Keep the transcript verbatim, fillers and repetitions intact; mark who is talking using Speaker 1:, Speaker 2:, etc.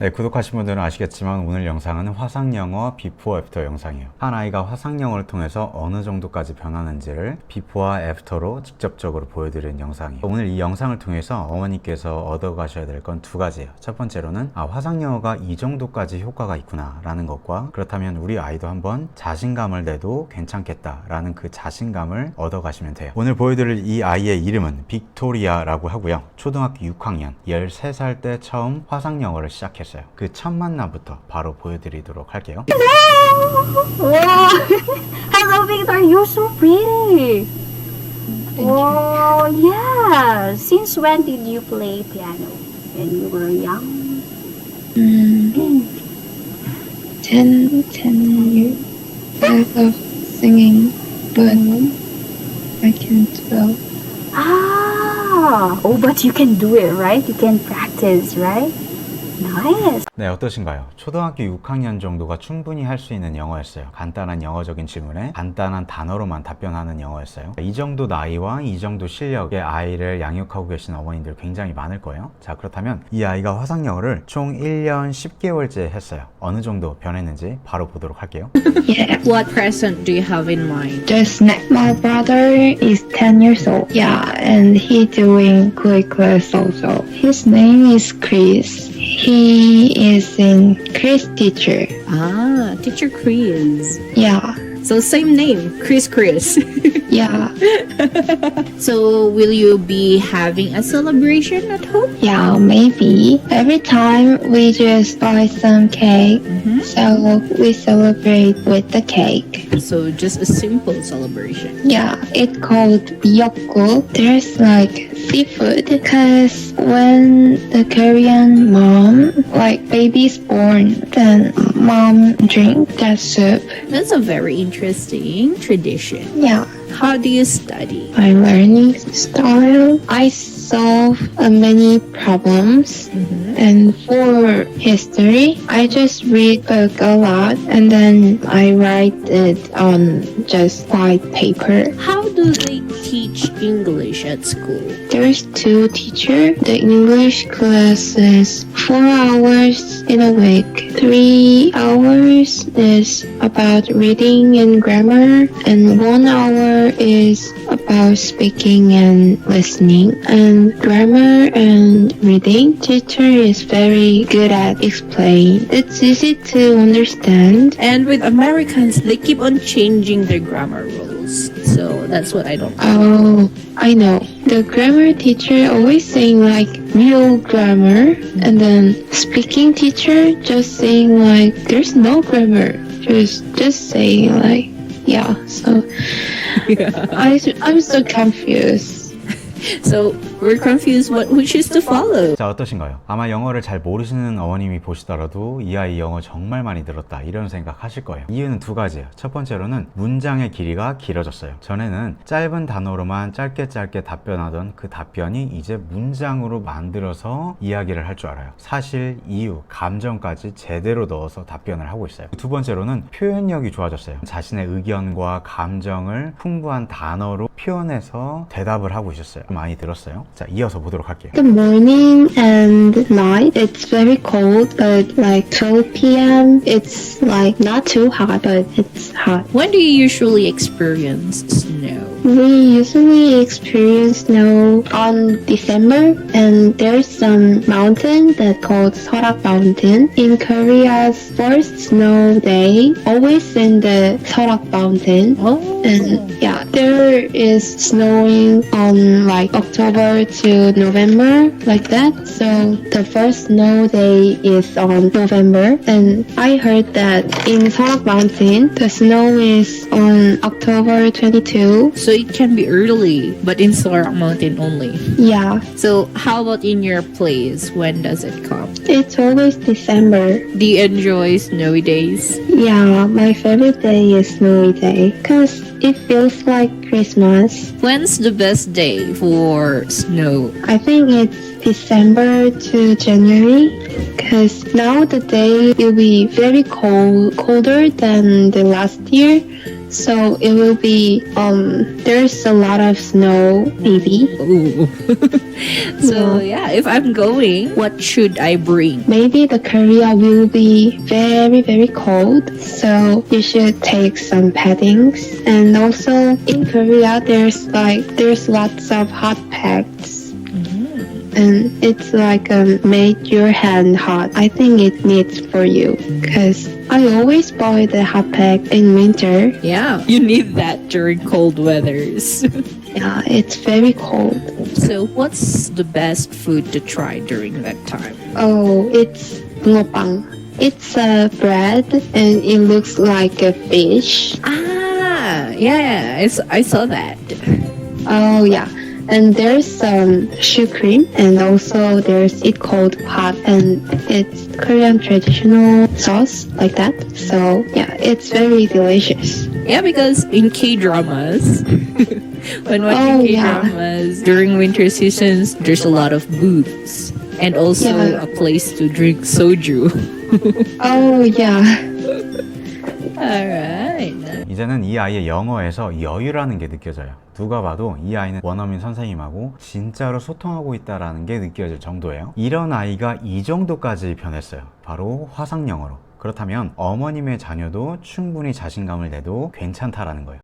Speaker 1: 네, 구독하신 분들은 아시겠지만 오늘 영상은 화상영어 비포 애프터 영상이에요. 한 아이가 화상영어를 통해서 어느 정도까지 변하는지를 비포와 애프터로 직접적으로 보여드리는 영상이에요. 오늘 이 영상을 통해서 어머니께서 얻어가셔야 될 건 두 가지예요. 첫 번째로는 아, 화상영어가 이 정도까지 효과가 있구나 라는 것과, 그렇다면 우리 아이도 한번 자신감을 내도 괜찮겠다 라는 그 자신감을 얻어가시면 돼요. 오늘 보여드릴 이 아이의 이름은 빅토리아라고 하고요. 초등학교 육 학년, 열세 살 때 처음 화상영어를 시작했어요. 그 첫 만남부터 바로 보여드리도록 할게요.
Speaker 2: Wow! Hello, Victor. You're so pretty. Oh, yeah. Since when did you play piano? When you were young?
Speaker 3: Mm, ten, ten years. I love singing, but I can't spell.
Speaker 2: Ah. Oh, but you can do it, right? You can practice, right? Nice.
Speaker 1: 네, 어떠신가요? 초등학교 육 학년 정도가 충분히 할 수 있는 영어였어요. 간단한 영어적인 질문에 간단한 단어로만 답변하는 영어였어요. 이 정도 나이와 이 정도 실력의 아이를 양육하고 계신 어머님들 굉장히 많을 거예요. 자, 그렇다면 이 아이가 화상영어를 총 일 년 십 개월째 했어요. 어느 정도 변했는지 바로 보도록 할게요.
Speaker 3: Yeah,
Speaker 4: What present do you have in mind?
Speaker 3: just next. My brother is ten years old. Yeah, and he doing quick class also. His name is Chris. He is in Chris teacher.
Speaker 4: Ah, teacher Chris.
Speaker 3: Yeah,
Speaker 4: So same name, Chris Chris.
Speaker 3: yeah,
Speaker 4: So will you be having a celebration at home?
Speaker 3: yeah, maybe. Every time we just buy some cake,
Speaker 4: Mhm.
Speaker 3: so we celebrate with the cake.
Speaker 4: So just a simple celebration.
Speaker 3: Yeah, it's called byeokguk. There's like seafood because when the Korean mom, like baby's born, then mom drink that soup.
Speaker 4: That's a very interesting tradition.
Speaker 3: Yeah,
Speaker 4: How do you study?
Speaker 3: my learning style, I solve uh, many problems.
Speaker 4: Mhm.
Speaker 3: And for history, I just read book a lot and then I write it on just white paper.
Speaker 4: How do they teach English at school?
Speaker 3: There's two teachers. The English class is four hours in a week. Three hours is about reading and grammar, and one hour is about speaking and listening. And grammar and reading, teacher is very good at explain. It's easy to understand.
Speaker 4: And with Americans, they keep on changing their grammar rules. So that's what I don't
Speaker 3: Oh, I know. The grammar teacher always saying like real grammar, and then speaking teacher just saying like there's no grammar. Just just saying like yeah. So I I'm so confused.
Speaker 4: So we're confused what which is to follow.
Speaker 1: 자, 어떠신가요? 아마 영어를 잘 모르시는 어머님이 보시더라도 이 아이 영어 정말 많이 늘었다 이런 생각 하실 거예요. 이유는 두 가지예요. 첫 번째로는 문장의 길이가 길어졌어요. 전에는 짧은 단어로만 짧게 짧게 답변하던 그 답변이 이제 문장으로 만들어서 이야기를 할 줄 알아요. 사실, 이유, 감정까지 제대로 넣어서 답변을 하고 있어요. 두 번째로는 표현력이 좋아졌어요. 자신의 의견과 감정을 풍부한 단어로 표현해서 대답을 하고 있었어요. 많이 들었어요. 자, 이어서 보도록 할게요.
Speaker 3: The morning and night it's very cold, but like twelve p.m. it's like not too hot, but it's hot.
Speaker 4: When do you usually experience snow?
Speaker 3: We usually experience snow on December, and there's some mountain that called Seorak Mountain. In Korea's first snow day, always in the Seorak Mountain.
Speaker 4: Oh.
Speaker 3: And yeah, there is snowing on like October to November, like that. So the first snow day is on November. And I heard that in Seorak Mountain, the snow is on October twenty-second.
Speaker 4: So it can be early, but in Sorak Mountain only.
Speaker 3: Yeah,
Speaker 4: So how about in your place? When does it come?
Speaker 3: it's always December.
Speaker 4: Do you enjoy snowy days?
Speaker 3: Yeah, my favorite day is snowy day because it feels like Christmas.
Speaker 4: When's the best day for snow?
Speaker 3: I think it's December to January because now the day will be very cold, colder than the last year. So it will be um there's a lot of snow maybe.
Speaker 4: Ooh. So yeah, if I'm going, what should I bring?
Speaker 3: Maybe the Korea will be very very cold, so you should take some paddings. And also in Korea there's like there's lots of hot packs. And it's like um, made your hand hot. I think it needs for you because I always buy the hot pack in winter.
Speaker 4: Yeah, you need that during cold weathers.
Speaker 3: Yeah, it's very cold.
Speaker 4: So what's the best food to try during that time?
Speaker 3: Oh, it's 붕어빵. It's a bread and it looks like a fish.
Speaker 4: Ah, yeah, I, s- I saw that.
Speaker 3: Oh yeah. And there's some shoe cream and also there's it called pat and it's Korean traditional sauce like that. So yeah, it's very delicious.
Speaker 4: Yeah, because in K dramas, when watching
Speaker 3: Oh,
Speaker 4: K
Speaker 3: yeah.
Speaker 4: dramas during winter seasons, there's a lot of booths and also
Speaker 3: Yeah.
Speaker 4: a place to drink soju.
Speaker 3: Oh yeah.
Speaker 4: Alright.
Speaker 1: 이제는 이 아이의 영어에서 여유라는 게 느껴져요. 누가 봐도 이 아이는 원어민 선생님하고 진짜로 소통하고 있다는 게 느껴질 정도예요. 이런 아이가 이 정도까지 변했어요. 바로 화상 영어로. 그렇다면 어머님의 자녀도 충분히 자신감을 내도 괜찮다라는 거예요.